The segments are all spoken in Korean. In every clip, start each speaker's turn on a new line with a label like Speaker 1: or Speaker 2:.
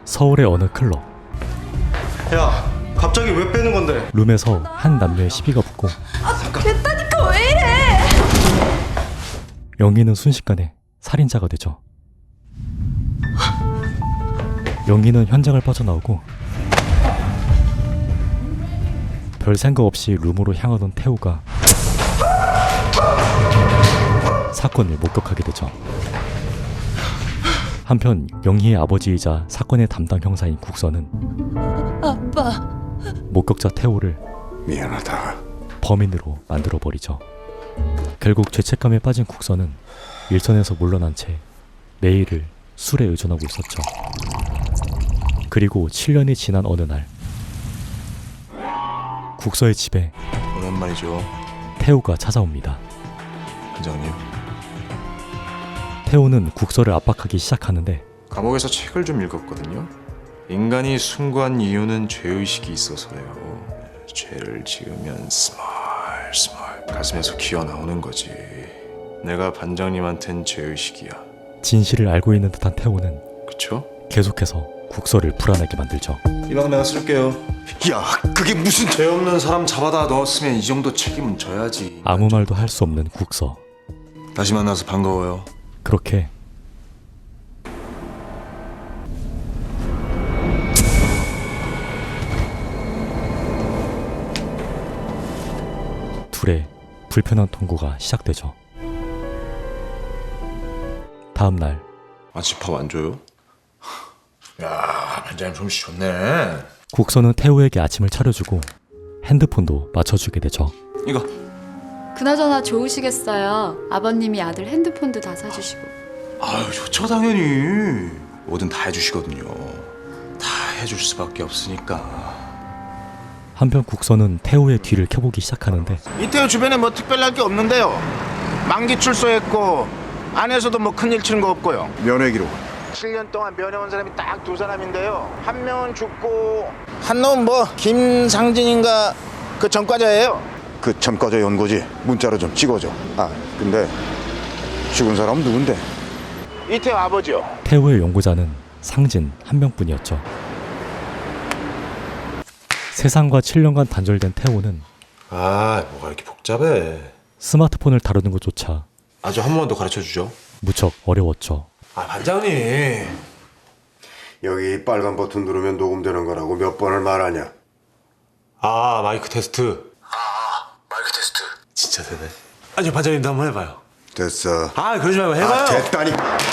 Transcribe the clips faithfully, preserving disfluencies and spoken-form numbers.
Speaker 1: 서울의 어느 클럽.
Speaker 2: 야, 갑자기 왜 빼는 건데?
Speaker 1: 룸에서 한 남녀의 시비가 붙고
Speaker 3: 아, 됐다니까 왜 이래?
Speaker 1: 영희는 순식간에 살인자가 되죠. 영희는 현장을 빠져나오고 별 생각 없이 룸으로 향하던 태우가 사건을 목격하게 되죠. 한편 영희의 아버지이자 사건의 담당 형사인 국서는
Speaker 3: 아빠.
Speaker 1: 목격자 태우를
Speaker 4: 미안하다.
Speaker 1: 범인으로 만들어버리죠. 결국 죄책감에 빠진 국서는 일선에서 물러난 채 매일을 술에 의존하고 있었죠. 그리고 칠 년이 지난 어느 날 국서의 집에
Speaker 4: 오랜만이죠,
Speaker 1: 태우가 찾아옵니다.
Speaker 4: 반장님.
Speaker 1: 태우는 국서를 압박하기 시작하는데
Speaker 4: 감옥에서 책을 좀 읽었거든요. 인간이 숭고한 이유는 죄의식이 있어서래요. 죄를 지으면 스멀 스멀 가슴에서 기어나오는 거지. 내가 반장님한텐 죄의식이야.
Speaker 1: 진실을 알고 있는 듯한 태우는
Speaker 4: 그쵸?
Speaker 1: 계속해서 국서를 불안하게 만들죠.
Speaker 4: 이 방 내가 쓸게요. 야, 그게 무슨 죄 없는 사람 잡아다 넣었으면 이 정도 책임은 져야지.
Speaker 1: 아무 말도 할 수 없는 국서.
Speaker 4: 다시 만나서 반가워요.
Speaker 1: 그렇게 둘의 불편한 통고가 시작되죠. 다음 날
Speaker 4: 아침밥 안 줘요? 야, 반장님 솜씨 좋네.
Speaker 1: 국서는 태우에게 아침을 차려주고 핸드폰도 맞춰주게 되죠.
Speaker 4: 이거
Speaker 3: 그나저나 좋으시겠어요. 아버님이 아들 핸드폰도 다 사주시고.
Speaker 4: 아유, 좋죠 당연히. 뭐든 다 해주시거든요. 다 해줄 수밖에 없으니까.
Speaker 1: 한편 국서는 태우의 뒤를 켜보기 시작하는데
Speaker 5: 이태우 주변에 뭐 특별할 게 없는데요. 만기 출소했고 안에서도 뭐 큰일 치는 거 없고요.
Speaker 4: 면회 기록.
Speaker 5: 칠 년 동안 면회온 사람이 딱 두 사람인데요. 한 명은 죽고 한 놈은 뭐 김상진인가 그 전과자예요.
Speaker 6: 그 전과자 연고지 문자로 좀 찍어줘. 아 근데 죽은 사람은 누군데?
Speaker 5: 이태우 아버지요.
Speaker 1: 태우의 연구자는 상진 한 명뿐이었죠. 세상과 칠 년간 단절된 태우는
Speaker 4: 아, 뭐가 이렇게 복잡해.
Speaker 1: 스마트폰을 다루는 것조차
Speaker 4: 아주 한 번만 더 가르쳐주죠.
Speaker 1: 무척 어려웠죠.
Speaker 4: 아, 반장님.
Speaker 6: 여기 빨간 버튼 누르면 녹음되는 거라고 몇 번을 말하냐?
Speaker 4: 아, 마이크 테스트. 아, 마이크 테스트. 진짜 되네. 아니, 반장님도 한번 해봐요.
Speaker 6: 됐어.
Speaker 4: 아, 그러지 말고 해봐요.
Speaker 6: 아, 됐다니.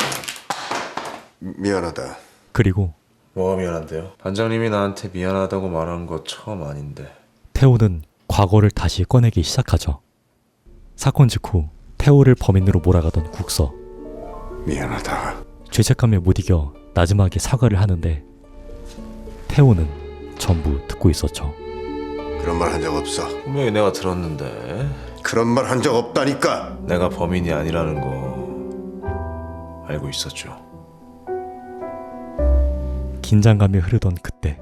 Speaker 6: 미안하다.
Speaker 1: 그리고
Speaker 4: 뭐가 미안한데요? 반장님이 나한테 미안하다고 말한 거 처음 아닌데.
Speaker 1: 태우는 과거를 다시 꺼내기 시작하죠. 사건 직후 태우를 범인으로 몰아가던 국서.
Speaker 6: 미안하다.
Speaker 1: 죄책감에 못 이겨 나지막이 사과를 하는데 태우는 전부 듣고 있었죠.
Speaker 6: 그런 말 한 적 없어.
Speaker 4: 분명히 내가 들었는데.
Speaker 6: 그런 말 한 적 없다니까.
Speaker 4: 내가 범인이 아니라는 거 알고 있었죠.
Speaker 1: 긴장감이 흐르던 그때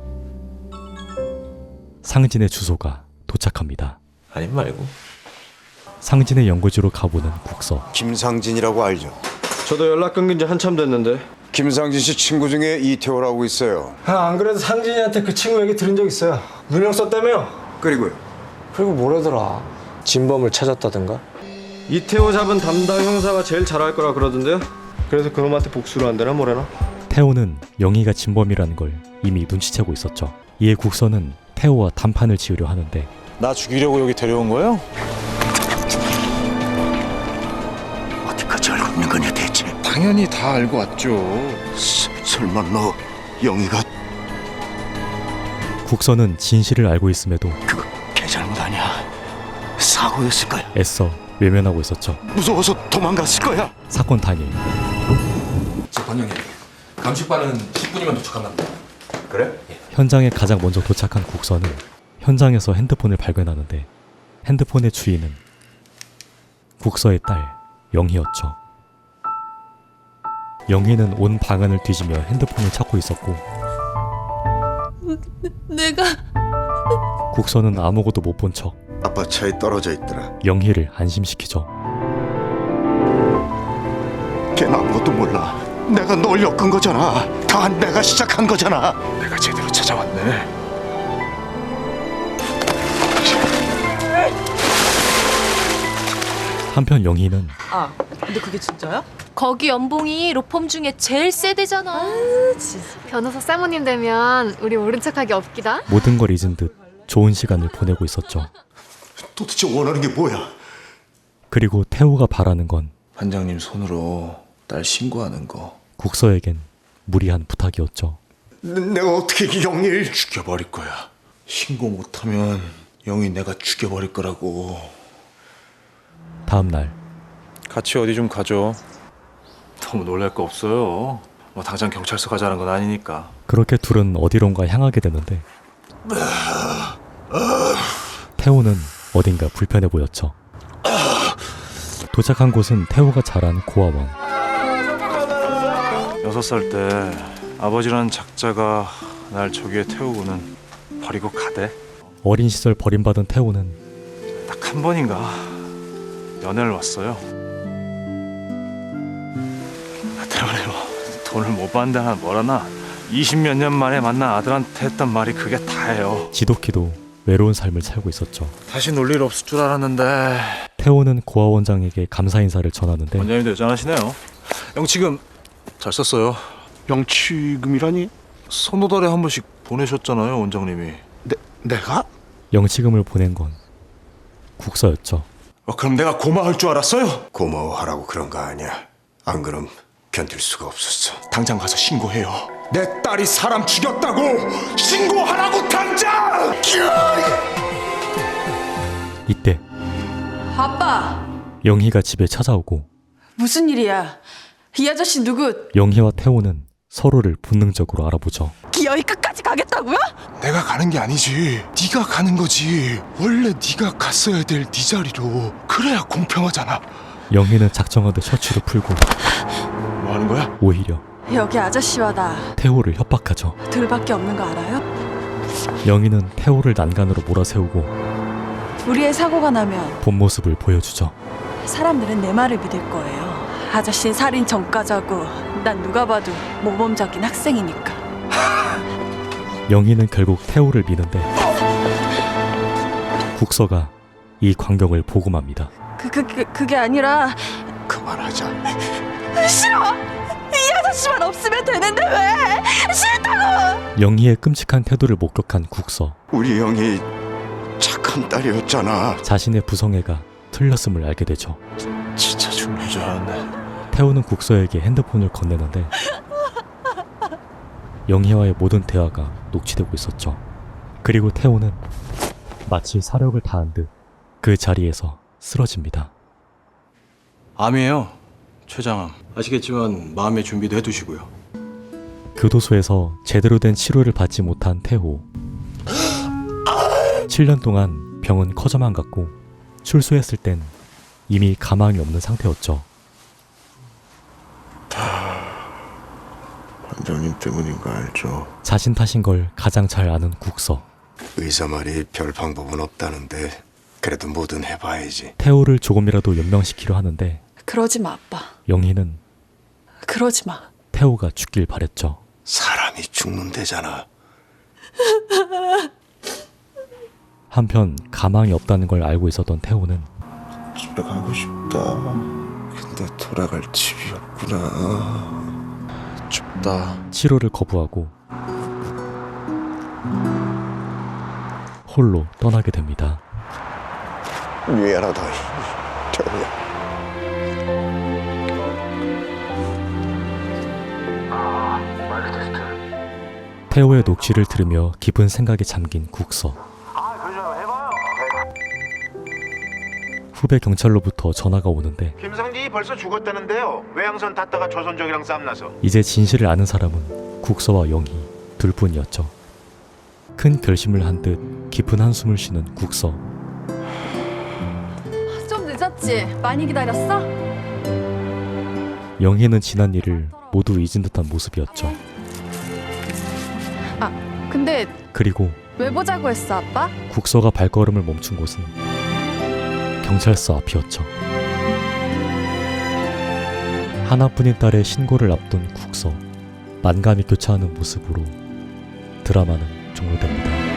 Speaker 1: 상진의 주소가 도착합니다.
Speaker 4: 아님 말고.
Speaker 1: 상진의 연구지로 가보는 국서.
Speaker 6: 김상진이라고 알죠?
Speaker 2: 저도 연락 끊긴 지 한참 됐는데.
Speaker 6: 김상진 씨 친구 중에 이태호라고 있어요.
Speaker 2: 아, 안 그래도 상진이한테 그 친구 얘기 들은 적 있어요. 누명 썼다며요.
Speaker 6: 그리고요.
Speaker 2: 그리고 뭐라더라. 진범을 찾았다던가. 이태호 잡은 담당 형사가 제일 잘할 거라 그러던데요. 그래서 그놈한테 복수를 한다나 뭐래나.
Speaker 1: 태호는 영희가 진범이라는 걸 이미 눈치채고 있었죠. 이에 국서는 태호와 단판을 지으려 하는데
Speaker 4: 나 죽이려고 여기 데려온 거예요?
Speaker 6: 어디까지 알고 있는 거냐 대체?
Speaker 4: 당연히 다 알고 왔죠.
Speaker 6: 서, 설마 너 영희가
Speaker 1: 국서는 진실을 알고 있음에도
Speaker 6: 그거 개 잘못 아니야? 사고였을 거야.
Speaker 1: 애써 외면하고 있었죠.
Speaker 6: 무서워서 도망갔을 거야.
Speaker 1: 사건 당일
Speaker 7: 저 반장님, 감식반은 십 분이면 도착한답니다.
Speaker 4: 그래?
Speaker 1: 현장에 가장 먼저 도착한 국서는 현장에서 핸드폰을 발견하는데 핸드폰의 주인은 국서의 딸 영희였죠. 영희는 온 방안을 뒤지며 핸드폰을 찾고 있었고
Speaker 3: 내가
Speaker 1: 국서는 아무것도 못 본 척
Speaker 6: 아빠 차에 떨어져 있더라.
Speaker 1: 영희를 안심시키죠.
Speaker 6: 걔는 아무것도 몰라. 내가 널 엮은 거잖아. 다 내가 시작한 거잖아.
Speaker 4: 내가 제대로 찾아왔네.
Speaker 1: 한편 영희는
Speaker 8: 아, 근데 그게 진짜야?
Speaker 9: 거기 연봉이 로펌 중에 제일 세대잖아.
Speaker 10: 변호사 사모님 되면 우리 모른 척하기 없기다.
Speaker 1: 모든 걸 잊은 듯 좋은 시간을 보내고 있었죠.
Speaker 6: 도대체 원하는 게 뭐야?
Speaker 1: 그리고 태호가 바라는 건
Speaker 4: 반장님 손으로 딸 신고하는 거.
Speaker 1: 국서에겐 무리한 부탁이었죠.
Speaker 6: 내- 내가 어떻게 영일
Speaker 4: 죽여버릴 거야. 신고 못하면 영희 내가 죽여버릴 거라고.
Speaker 1: 다음 날
Speaker 4: 같이 어디 좀 가죠. 너무 놀랄 거 없어요. 뭐 당장 경찰서 가자는 건 아니니까.
Speaker 1: 그렇게 둘은 어디론가 향하게 되는데 태호는 어딘가 불편해 보였죠. 도착한 곳은 태호가 자란 고아원.
Speaker 4: 여섯 살 때 아버지라는 작자가 날 저기에 태우고는 버리고 가대.
Speaker 1: 어린 시절 버림받은 태호는
Speaker 4: 딱 한 번인가 연애를 왔어요. 나 때문에 뭐 돈을 못 받는다나 뭐라나 이십몇 년 만에 만난 아들한테 했던 말이 그게 다예요.
Speaker 1: 지독히도 외로운 삶을 살고 있었죠.
Speaker 4: 다시 놀 일 없을 줄 알았는데.
Speaker 1: 태호는 고아 원장에게 감사 인사를 전하는데
Speaker 4: 원장님도 여전하시네요. 영치금 잘 썼어요.
Speaker 6: 영치금이라니?
Speaker 4: 선호달에 한 번씩 보내셨잖아요, 원장님이.
Speaker 6: 내, 내가?
Speaker 1: 영치금을 보낸 건 국서였죠.
Speaker 4: 어, 그럼 내가 고마울 줄 알았어요?
Speaker 6: 고마워하라고 그런 거 아니야. 안 그럼 견딜 수가 없었어.
Speaker 4: 당장 가서 신고해요. 내 딸이 사람 죽였다고 신고하라고 당장!
Speaker 1: 이때
Speaker 8: 아빠,
Speaker 1: 영희가 집에 찾아오고
Speaker 8: 무슨 일이야? 이 아저씨 누구?
Speaker 1: 영희와 태호는 서로를 본능적으로 알아보죠.
Speaker 8: 기어이 끝까지 가겠다고요?
Speaker 4: 내가 가는 게 아니지. 네가 가는 거지. 원래 네가 갔어야 될 네 자리로. 그래야 공평하잖아.
Speaker 1: 영희는 작정하듯 셔츠를 풀고
Speaker 4: 뭐 하는 거야?
Speaker 1: 오히려
Speaker 8: 여기 아저씨와 나
Speaker 1: 태호를 협박하죠.
Speaker 8: 둘밖에 없는 거 알아요?
Speaker 1: 영희는 태호를 난간으로 몰아세우고
Speaker 8: 우리의 사고가 나면
Speaker 1: 본 모습을 보여주죠.
Speaker 8: 사람들은 내 말을 믿을 거예요. 아저씨는 살인 전과자고 난 누가 봐도 모범적인 학생이니까.
Speaker 1: 영희는 결국 태호를 미는데 국서가 이 광경을 보고 맙니다.
Speaker 8: 그, 그, 그, 그게 아니라
Speaker 6: 그만하자.
Speaker 8: 싫어! 이 아저씨만 없으면 되는데 왜? 싫다고!
Speaker 1: 영희의 끔찍한 태도를 목격한 국서.
Speaker 6: 우리 영이 착한 딸이었잖아.
Speaker 1: 자신의 부성애가 틀렸음을 알게 되죠.
Speaker 4: 진짜 죽는 줄 알았네.
Speaker 1: 태호는 국서에게 핸드폰을 건네는데 영희와의 모든 대화가 녹취되고 있었죠. 그리고 태호는 마치 사력을 다한 듯 그 자리에서 쓰러집니다.
Speaker 4: 암이에요. 췌장암. 아시겠지만 마음의 준비도 해두시고요.
Speaker 1: 교도소에서 제대로 된 치료를 받지 못한 태호. 칠 년 동안 병은 커져만 갔고 출소했을 땐 이미 가망이 없는 상태였죠.
Speaker 6: 원장님 때문인 거 알죠?
Speaker 1: 자신 탓인 걸 가장 잘 아는 국서.
Speaker 6: 의사 말이 별 방법은 없다는데 그래도 뭐든 해봐야지.
Speaker 1: 태호를 조금이라도 연명시키려 하는데
Speaker 8: 그러지 마, 아빠.
Speaker 1: 영희는
Speaker 8: 그러지 마.
Speaker 1: 태호가 죽길 바랬죠.
Speaker 6: 사람이 죽는데잖아.
Speaker 1: 한편 가망이 없다는 걸 알고 있었던 태호는
Speaker 6: 집에 가고 싶다. 근데 돌아갈 집이 없구나.
Speaker 4: 춥다.
Speaker 1: 치료를 거부하고 홀로 떠나게 됩니다.
Speaker 6: 미안하다. 태호야.
Speaker 1: 태호의 녹취를 들으며 깊은 생각에 잠긴 국서. 후배 경찰로부터 전화가 오는데
Speaker 5: 김상진이 벌써 죽었다는데요. 외양선 탔다가 조선족이랑 쌈나서.
Speaker 1: 이제 진실을 아는 사람은 국서와 영희 둘뿐이었죠. 큰 결심을 한 듯 깊은 한숨을 쉬는 국서.
Speaker 10: 좀 늦었지? 많이 기다렸어?
Speaker 1: 영희는 지난 일을 모두 잊은 듯한 모습이었죠.
Speaker 10: 근데
Speaker 1: 그리고
Speaker 10: 왜 보자고 했어, 아빠?
Speaker 1: 국서가 발걸음을 멈춘 곳은 경찰서 앞이었죠. 하나뿐인 딸의 신고를 앞둔 국서, 만감이 교차하는 모습으로 드라마는 종료됩니다.